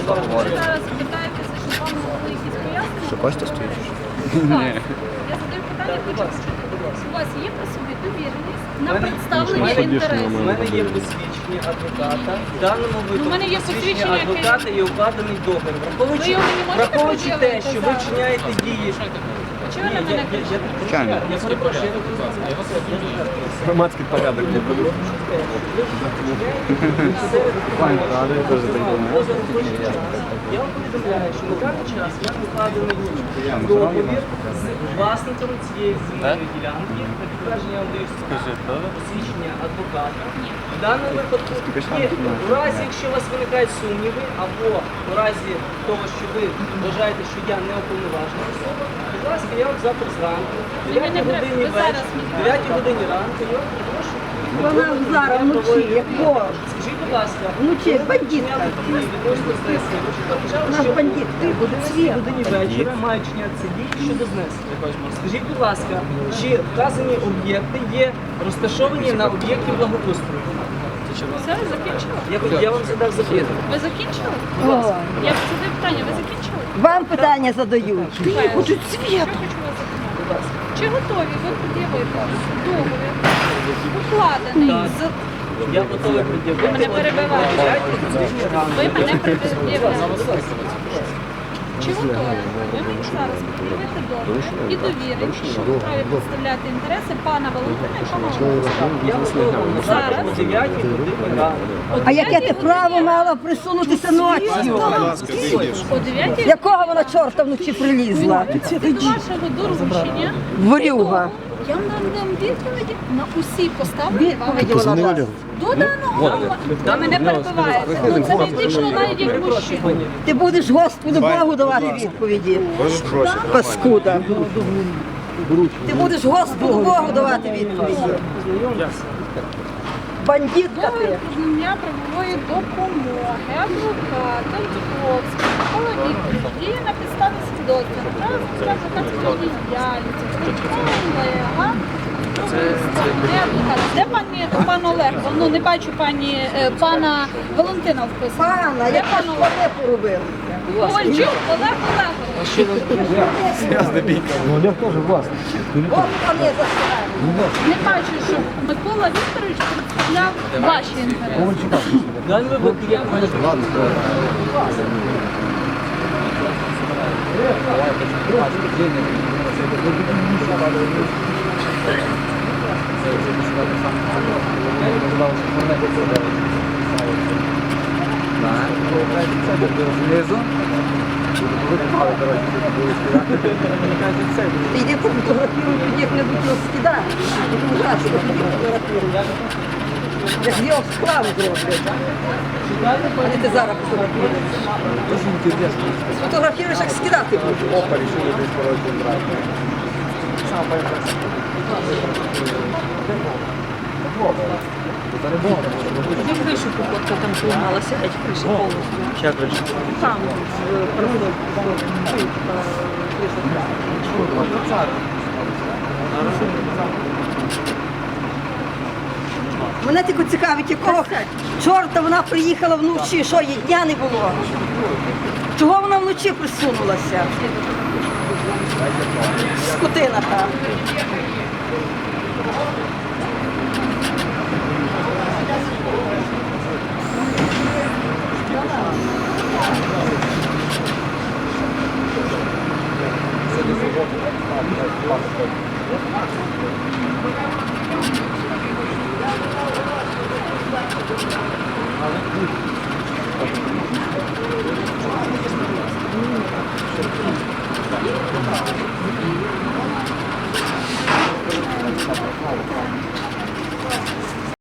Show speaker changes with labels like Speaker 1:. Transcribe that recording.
Speaker 1: що говорите.
Speaker 2: Ви зараз питаєтеся, що вам були якісь пояснення?
Speaker 1: Що Костя стоїть?
Speaker 2: Ні. Я задаю питання, хочу почути. У вас є при собі довіреність на представлення інтересів?
Speaker 3: У мене є посвідчення адвоката. В даному
Speaker 2: У мене
Speaker 3: випадку
Speaker 2: є посвідчення, яке-
Speaker 3: адвоката і укладений договір.
Speaker 2: Ви його не можете
Speaker 3: Враховуючи те,
Speaker 2: пред'явити
Speaker 3: що ви
Speaker 2: зараз?
Speaker 3: вчиняєте дії.
Speaker 2: Чи ви на мене кричите?
Speaker 1: Звичайно.
Speaker 3: Я перепрошую.
Speaker 4: Громадський порядок не веду.
Speaker 3: Я вам повідомляю, що на даний час я укладений договір з власником цієї земельної ділянки. На підтвердження я вам даю посвідчення адвоката. В даному випадку, у разі, якщо у вас виникають сумніви, або у разі того, що ви вважаєте, що я не уповноважена особа, будь ласка, я вам завтра зранку, о 9 годині вечора, 9 годині ранку, я вам прошу.
Speaker 5: Вона зараз вночі, якого?
Speaker 3: Скажіть, будь ласка,
Speaker 5: Вночі, бандитка. Наш бандит, ти буде
Speaker 3: в
Speaker 5: світ.
Speaker 3: годині вечора мають чинятися дії щодо знесення. Скажіть, будь ласка, чи вказані об'єкти є розташовані на об'єкті благоустрою?
Speaker 2: Все, закінчили?
Speaker 3: Я вам задав запитання.
Speaker 2: Ви закінчили?
Speaker 5: О,
Speaker 2: Я задаю питання, ви закінчили?
Speaker 5: вам питання задають. Ти хочуть
Speaker 2: Що
Speaker 5: світ.
Speaker 2: хочу вас запитати? Чи готові ви пред'явити договір, укладений з...
Speaker 3: Я готовий пред'явити.
Speaker 2: Ви мене перебиваєте. Ви мене пред'являєте. Чи готові ви мені зараз пред'явити договір і довірити, що ви праві представляти інтереси пана Валентина і пана Олександра?
Speaker 3: Я готовий зараз о 9 годині ранку.
Speaker 5: А яке ти право мала присунутися ночі?
Speaker 2: О 9
Speaker 5: Якого вона чорта вночі прилізла?
Speaker 2: до вашого доручення.
Speaker 5: Ворюга.
Speaker 2: Я вам дам відповіді на усі поставлені вам
Speaker 5: Відповіді вона дасть.
Speaker 2: до даного моменту. Ви мене перебиваєте. Ну це фактично навіть як мужчина.
Speaker 5: Ти будеш Господу Богу давати відповіді. Паскуда. Ти будеш Господу Богу давати відповіді. Бандитка
Speaker 2: Договір
Speaker 5: ти.
Speaker 2: про надання правової допомоги, адвоката, Дубровський, Микола Вікторович, діє на підставі свідоцтва, право адвокатської діяльності, колега, де пан Олег? Ну не бачу пана Валентина вписано.
Speaker 5: Пана,
Speaker 2: Де
Speaker 5: як
Speaker 2: пан
Speaker 5: ж
Speaker 2: Олег?
Speaker 5: вони поробили?
Speaker 2: Ковальчук Олег Олегович.
Speaker 4: Олег теж власник.
Speaker 5: От вони засирають.
Speaker 2: Не бачу, що Микола Вікторович представляв ваші інтереси.
Speaker 3: В даному випадку я
Speaker 5: Ти йди пофотографіруй, тоді як-небудь його скидай. Ужасно, тоді фотографіруй. Я ж його справу зроблю. А не ти зараз фотографіруєш. Фотографіруєш, як скидати будеш.
Speaker 6: Тоді кришу покотка там поламалася, геть криша повністю.
Speaker 1: Як вийшло?
Speaker 6: Там,
Speaker 5: Мене тільки цікавить, якого чорта вона приїхала вночі, що їй дня не було. Чого вона вночі присунулася? Скотина та.